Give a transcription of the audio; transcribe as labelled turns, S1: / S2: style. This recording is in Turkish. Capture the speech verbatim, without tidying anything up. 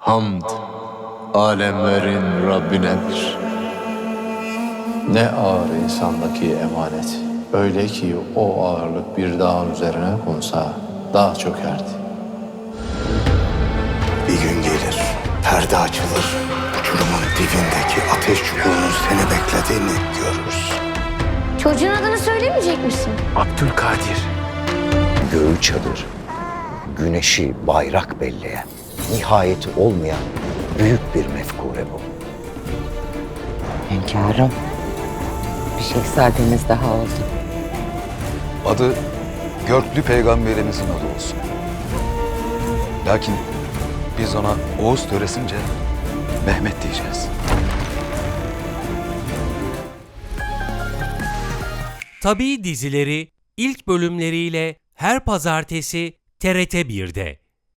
S1: Hamd alemlerin Rabbinedir.
S2: Ne ağır insandaki emanet. Öyle ki o ağırlık bir dağın üzerine konsa dağ çökerdi.
S3: Bir gün gelir, perde açılır. Uçurumun dibindeki ateş çukurunun seni beklediğini görürüz.
S4: Çocuğun adını söylemeyecek misin?
S3: Abdülkadir.
S5: Göğü çadır, güneşi bayrak belleyen, nihayeti olmayan büyük bir mefkure bu.
S6: Hünkârım, bir şehzademiz daha oldu.
S7: Adı Görklü Peygamberimizin adı olsun. Lakin biz ona Oğuz töresince Mehmet diyeceğiz.
S8: Tabii dizileri ilk bölümleriyle her pazartesi T R T bir'de.